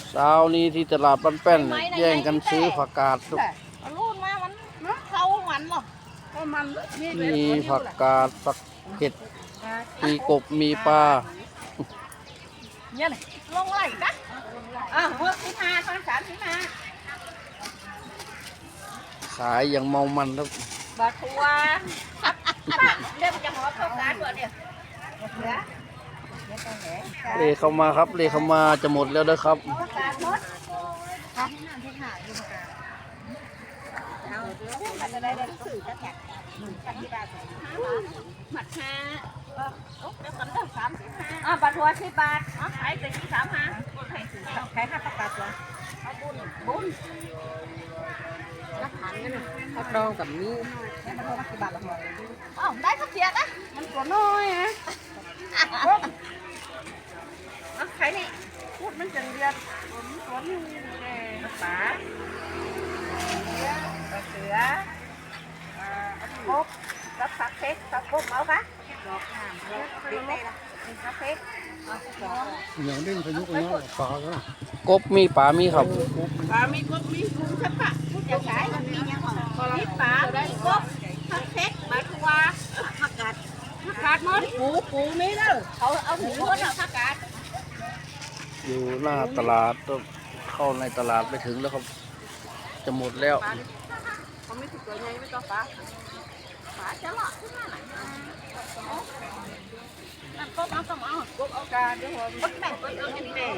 เช้านี้ที่ตลาดบ้านแป้นแย่งกันซื้อผักกาดครับรูดมามันเขามันหรอมีผักกาดผักเห็ดมีกบมีปลาเนี่ยลงไหลนะเมื่อที่มาตอน35 ขายอย่างเมามันครับบาทัวเดี๋ยวจะหอเข้าการก่อนเดี๋ยวเลเข้ามาครับเลเข้ามาจะหมดแล้วนะครับหมัด5บาทัว10 บาทขายแต่35ขาย5ประกาศเหรอบุญข้าวดองกับนี้ได้ข้าวเสียนะมันตัวน้อยฮะใครนี่พูดมันจังเดียดตัวนี้ปลาเสือกบรับผักเพ็กผักกบเอาปะดอกน้ำดีได้ละผักเพ็กอย่างเด่นพายุเนาะปลาก็กบมีปลามีครับปลามีกบมีกุ้งใช่ปะจะขายมันมียังมีปลามีกบผักเพ็กมาทัวผักกาดมันปูมีเด้อเอาถึงหมดแล้วผักกาดอยู่หน้าตลาดเข้าในตลาดไปถึงแล้วครับจะหมดแล้วเขาไม่ถูกตัวใหญ่ไม่ต้องปลาจะหลอกขึ้นมาไหนนั่นกบเอาต้องเอากบเอาการเดี๋ยวหัวกบแบ่งกบเอาอย่างนี้เลย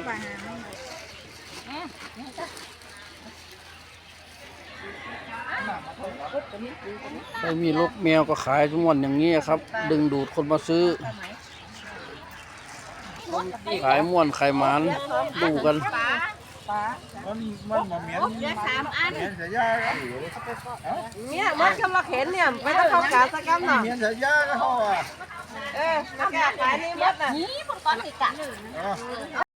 ไม่มีลูกแมวก็ขายทุกวันอย่างนี้ครับดึงดูดคนมาซื้อขายม่วนขายหมานดูกันมันมาเหมียนเสียยาเนี่ยมันกำลังเห็นเนี่ยไม่ต้องเข้ากาสักกำหน่อยเหมียนเสียยาก็เขามันแก่ขายนี่มัดน่ะนี่มันก้อนติดกัน